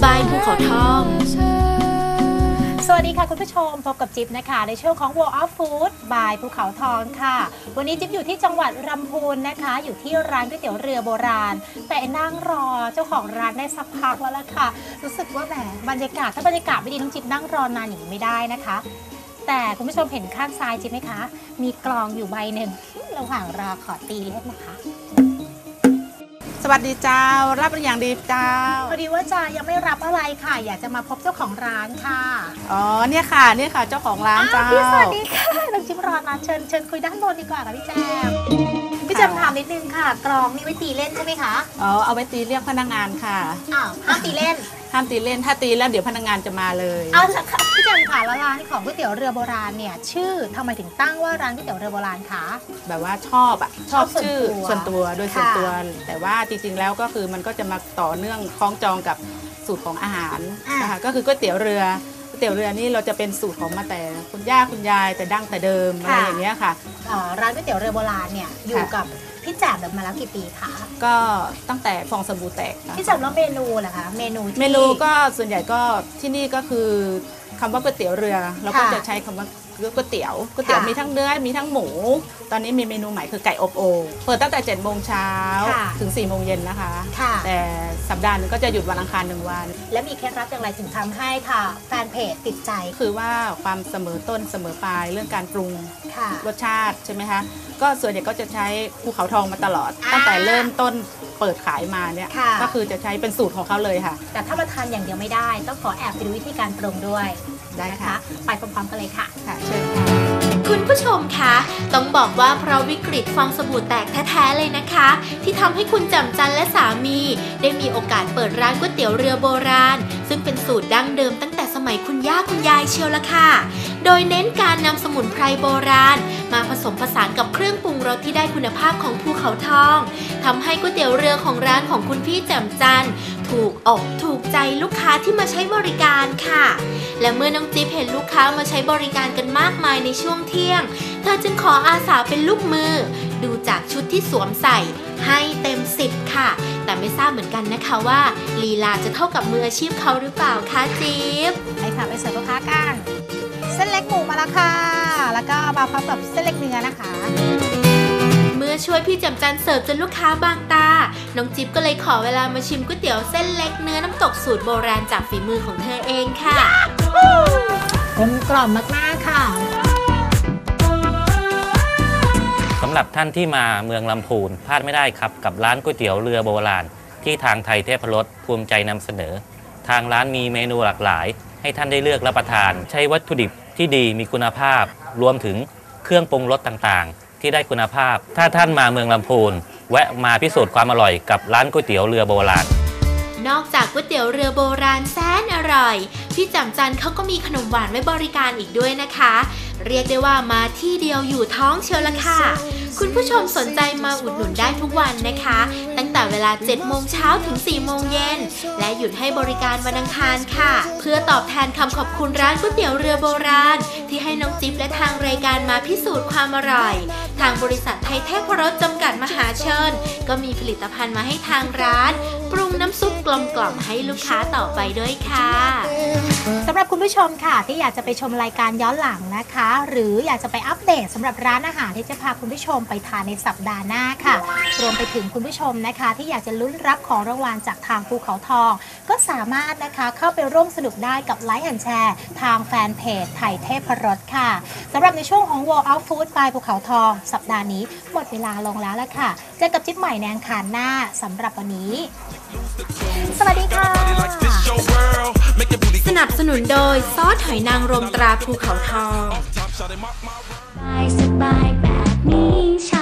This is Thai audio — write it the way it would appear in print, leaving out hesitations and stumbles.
บายภูเขาทองสวัสดีค่ะคุณผู้ชมพบกับจิ๊บนะคะในช่วงของ World of Food บายภูเขาทองค่ะวันนี้จิ๊บอยู่ที่จังหวัดลำพูนนะคะอยู่ที่ร้านก๋วยเตี๋ยวเรือโบราณแต่นั่งรอเจ้าของร้านได้สักพักแล้วล่ะค่ะรู้สึกว่าแหมบรรยากาศถ้าบรรยากาศไม่ดีน้องจิ๊บนั่งรอนานอย่างนี้ไม่ได้นะคะแต่คุณผู้ชมเห็นข้างซ้ายจิ๊บไหมคะมีกลองอยู่ใบหนึ่งระหว่างรอขอตีเล่นนะคะสวัสดีเจ้ารับอย่างดีเจ้าพอดีว่าจะยังไม่รับอะไรค่ะอยากจะมาพบเจ้าของร้านค่ะอ๋อเนี่ยค่ะเจ้าของร้านเจ้าพี่สวัสดีค่ะน้องจิ๊บรอนะเชิญคุยด้านบนดีกว่าค่ะพี่แจมถามนิดนึงค่ะกลองนี่ไว้ตีเล่นใช่ไหมคะอ๋อเอาไว้ตีเรียกพนักงานค่ะห้ามตีเล่นห้ามตีเล่นถ้าตีแล้วเดี๋ยวพนักงานจะมาเลยเอาละค่ะพี่แจมค่ะแล้วร้านของก๋วยเตี๋ยวเรือโบราณเนี่ยชื่อทำไมถึงตั้งว่าร้านก๋วยเตี๋ยวเรือโบราณคะแบบว่าชอบชื่อส่วนตัวโดยส่วนตัวแต่ว่าจริงๆแล้วก็คือมันก็จะมาต่อเนื่องคล้องจองกับสูตรของอาหารนะคะก็คือก๋วยเตี๋ยวเรือนี่เราจะเป็นสูตรของมาแต่คุณย่าคุณยายแต่ดั้งแต่เดิมอะไรอย่างเงี้ยค่ะร้านก๋วยเตี๋ยวเรือโบราณเนี่ยอยู่กับพี่แจ่มมาแล้วกี่ปีคะก็ตั้งแต่ฟองสบู่แตกพี่แจ่มแล้วเมนูล่ะคะเมนูก็ส่วนใหญ่ก็ที่นี่ก็คือคำว่าก๋วยเตี๋ยวเรือเราก็จะใช้คำว่าก๋วยเตี๋ยวมีทั้งเนื้อมีทั้งหมูตอนนี้มีเมนูใหม่คือไก่อบโอ่งเปิดตั้งแต่7 โมงเช้าถึง4 โมงเย็นนะคะแต่สัปดาห์นึงก็จะหยุดวันอังคาร1 วันและมีเคล็ดลับอย่างไรถึงทำให้ค่ะแฟนเพจติดใจคือว่าความเสมอต้นเสมอปลายเรื่องการปรุงรสชาติใช่ไหมคะก็ส่วนใหญ่ก็จะใช้ภูเขาทองมาตลอดตั้งแต่เริ่มต้นเปิดขายมาเนี่ยก็คือจะใช้เป็นสูตรของเขาเลยค่ะแต่ถ้ามาทานอย่างเดียวไม่ได้ต้องขอแอบไปดูวิธีการปรุงด้วยได้ค่ะไปพร้อมๆกันเลยค่ะเชิญค่ะคุณผู้ชมคะต้องบอกว่าเพราะวิกฤตฟองสบู่แตกแท้ๆเลยนะคะที่ทำให้คุณแจ่มจันและสามีได้มีโอกาสเปิดร้านก๋วยเตี๋ยวเรือโบราณซึ่งเป็นสูตรดั้งเดิมตั้งแต่สมัยคุณย่าคุณยายเชียวละค่ะโดยเน้นการนำสมุนไพรโบราณมาผสมผสานกับเครื่องปรุงรสที่ได้คุณภาพของภูเขาทองทำให้ก๋วยเตี๋ยวเรือของร้านของคุณพี่แจ่มจันถูกอกถูกใจลูกค้าที่มาใช้บริการค่ะและเมื่อน้องจิ๊บเห็นลูกค้ามาใช้บริการกันมากมายในช่วงเที่ยงเธอจึงขออาสาเป็นลูกมือดูจากชุดที่สวมใส่ให้เต็ม10ค่ะแต่ไม่ทราบเหมือนกันนะคะว่าลีลาจะเท่ากับมืออาชีพเขาหรือเปล่าคะจิ๊บไปค่ะไปเสิร์ฟลูกค้ากันเส้นเล็กหมูมาแล้วค่ะแล้วก็มาพร้อมกับเส้นเล็กเนื้อนะคะเมื่อช่วยพี่แจ่มจันเสิร์ฟจนลูกค้าบางตาน้องจิ๊บก็เลยขอเวลามาชิมก๋วยเตี๋ยวเส้นเล็กเนื้อน้ำตกสูตรโบราณจากฝีมือของเธอเองค่ะกลมกล่อมมากๆค่ะสำหรับท่านที่มาเมืองลำพูนพลาดไม่ได้ครับกับร้านก๋วยเตี๋ยวเรือโบราณที่ทางไทยเทพรสภูมิใจนำเสนอทางร้านมีเมนูหลากหลายให้ท่านได้เลือกรับประทานใช้วัตถุดิบที่ดีมีคุณภาพรวมถึงเครื่องปรุงรสต่างๆที่ได้คุณภาพถ้าท่านมาเมืองลำพูนแวะมาพิสูจน์ความอร่อยกับร้านก๋วยเตี๋ยวเรือโบราณนอกจากก๋วยเตี๋ยวเรือโบราณแสนอร่อยพี่แจ่มจันเขาก็มีขนมหวานไว้บริการอีกด้วยนะคะเรียกได้ว่ามาที่เดียวอยู่ท้องเชียวละค่ะคุณผู้ชมสนใจมาอุดหนุนได้ทุกวันนะคะตั้งแต่เวลา7 โมงเช้าถึง4 โมงเย็นและหยุดให้บริการวันอังคารค่ะเพื่อตอบแทนคำขอบคุณร้านก๋วยเตี๋ยวเรือโบราณที่ให้น้องจิ๊บและทางรายการมาพิสูจน์ความอร่อยทางบริษัทไทยเทพรสจำกัดมหาชนก็มีผลิตภัณฑ์มาให้ทางร้านปรุงน้ำซุปกลมกล่อมให้ลูกค้าต่อไปด้วยค่ะสำหรับคุณผู้ชมค่ะที่อยากจะไปชมรายการย้อนหลังนะคะหรืออยากจะไปอัปเดตสำหรับร้านอาหารที่จะพาคุณผู้ชมไปทานในสัปดาห์หน้าค่ะรวมไปถึงคุณผู้ชมนะคะที่อยากจะลุ้นรับของรางวัลจากทางภูเขาทองก็สามารถนะคะเข้าไปร่วมสนุกได้กับไลค์แอนด์แชร์ทางแฟนเพจไทยเทพรสค่ะสำหรับในช่วงของ World of Food บายภูเขาทองสัปดาห์นี้หมดเวลาลงแล้วละค่ะเจอกับจิ๊บใหม่ในอังคารหน้าสำหรับวันนี้สวัสดีค่ะสนับสนุนโดยซอสหอยนางรมตราภูเขาทองสบายแบบนี้